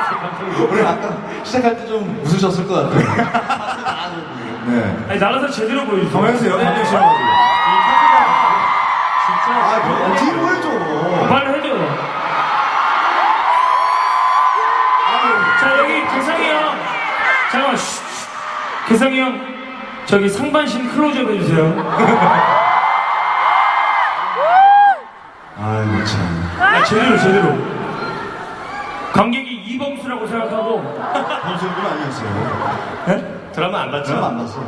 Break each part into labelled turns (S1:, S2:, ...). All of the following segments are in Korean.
S1: 우리 아까 시작할 때 좀 웃으셨을 것 같아요. 네.
S2: 아니, 나가서 제대로 보여주세요.
S1: 정해주세요.
S2: 네.
S1: 감정 싫어가지고.
S2: 이 카드가 진짜.
S1: 아, 뭐, 뒤로 해줘.
S2: 말을 해줘요. 자, 여기 개성이 형. 잠깐만, 쉿. 개성이 형, 저기 상반신 클로즈업 해주세요.
S1: 아이고, 참.
S2: 아, 제대로. 관객이 이범수라고 생각하고.
S1: 범수분 아니었어요.
S2: 네? 드라마 안 봤죠?
S1: 드라마 안 봤어.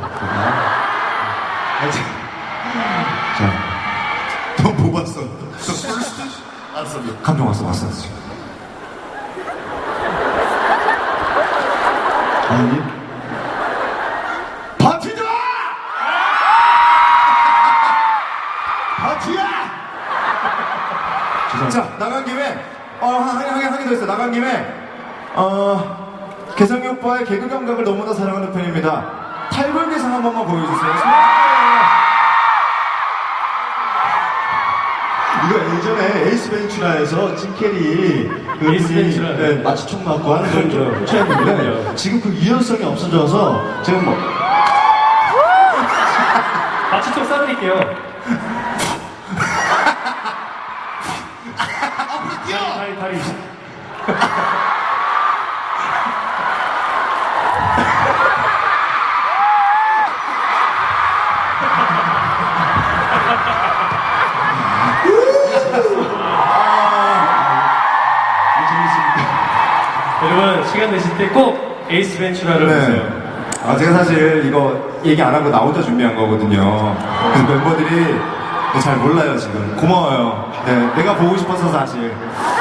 S1: 자, 너 뭐 봤어? 알았어. 감정 왔어. 지금. 아니. 바티다! 바티야! 자, 나간 김에, 한 개 더 있어. 나간 김에, 개성이 오빠의 개그 감각을 너무나 사랑하는 편입니다. 탈골 개성 한 번만 보여주세요. 이거 예전에 에이스 벤츄라에서 짐 캐리
S2: 에이스 벤츄라.
S1: 네, 마취총 맞고 하는 걸 좀 취했는데 지금 그 유연성이 없어져서 지금 뭐
S2: 마취총 쏴드릴게요. 다리. 여러분, 시간 되실 때 꼭 에이스 벤츄라를 보세요.
S1: 제가 사실 이거 얘기 안 하고 나 혼자 준비한 거거든요. 그래서 멤버들이 잘 몰라요 지금. 고마워요. 네, 내가 보고 싶어서 사실.